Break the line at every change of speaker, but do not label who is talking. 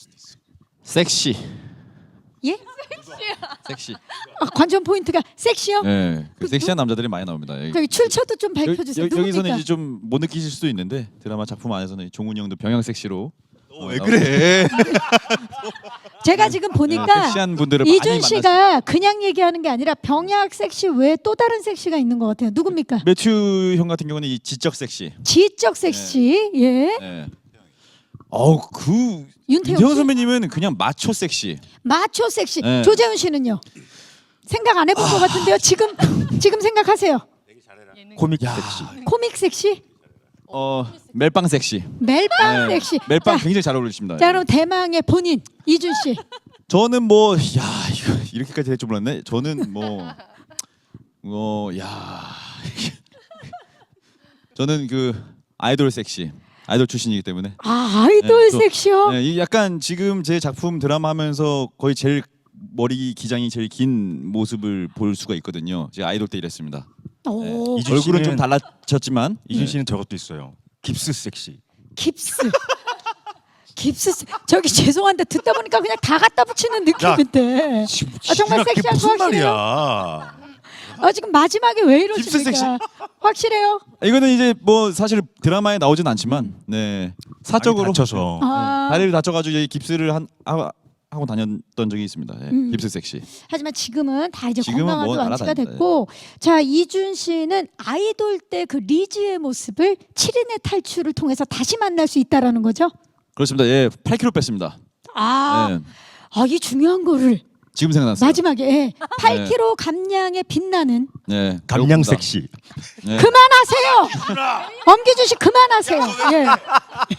섹시.
예?
섹시.
아, 관전 포인트가 섹시요?
네, 그 섹시한 남자들이 많이 나옵니다.
저기 출처도 좀 밝혀주세요.
여기서는
누굽니까?
이제 좀 못 느끼실 수도 있는데 드라마 작품 안에서는 종훈이 형도 병양 섹시로.
왜 그래?
제가 지금
네,
보니까
섹시한 분들을 많이
이준
만났.
씨가 그냥 얘기하는 게 아니라 병약 섹시 외에 또 다른 섹시가 있는 것 같아요. 누굽니까?
매튜 형 같은 경우는 이 지적 섹시.
지적 섹시. 예.
네. 그
윤태영
윤태영
씨?
선배님은 그냥 마초 섹시.
마초 섹시.
네.
조재훈 씨는요? 생각 안 해본 것 같은데요. 지금 생각하세요.
코믹 섹시.
코믹 섹시?
멜빵 섹시.
멜빵
네,
섹시.
멜빵
자,
굉장히 잘 어울리십니다.
자 그럼 대망의 본인 이준 씨.
저는 뭐 이거 이렇게까지 될 줄 몰랐네. 저는 저는 그 아이돌 섹시. 아이돌 출신이기 때문에.
아 아이돌
또,
섹시요?
이 약간 지금 제 작품 드라마 하면서 거의 제일 머리 기장이 제일 긴 모습을 볼 수가 있거든요. 제가 아이돌 때 이랬습니다.
오.
이준
얼굴은 좀
씨는-
달라졌지만
이준 씨는 저것도 있어요. 깁스 섹시.
깁스. 저기 죄송한데 듣다 보니까 그냥 다 갖다 붙이는 느낌인데. 정말
그게
섹시한 거
무슨
확실해요?
말이야?
지금 마지막에 왜
깁스 섹시.
이러십니까? 확실해요?
이거는 이제 뭐 사실 드라마에 나오진 않지만 네 사적으로
다쳐서.
아,
다리를 다쳐가지고 이제 깁스를 하고 다녔던 적이 있습니다. 깁스 섹시.
하지만 지금은 다 이제
지금은
건강하게
뭐
완치가
알아다닌다.
됐고, 자 이준 씨는 아이돌 때 그 리즈의 모습을 7인의 탈출을 통해서 다시 만날 수 있다라는 거죠?
그렇습니다. 예, 8kg 뺐습니다.
아,
네,
이 중요한 거를
지금 생각났어요.
마지막에 8kg 감량에 빛나는
네,
감량
배고프다.
섹시.
네.
그만하세요. 엄기준 씨 그만하세요. 예.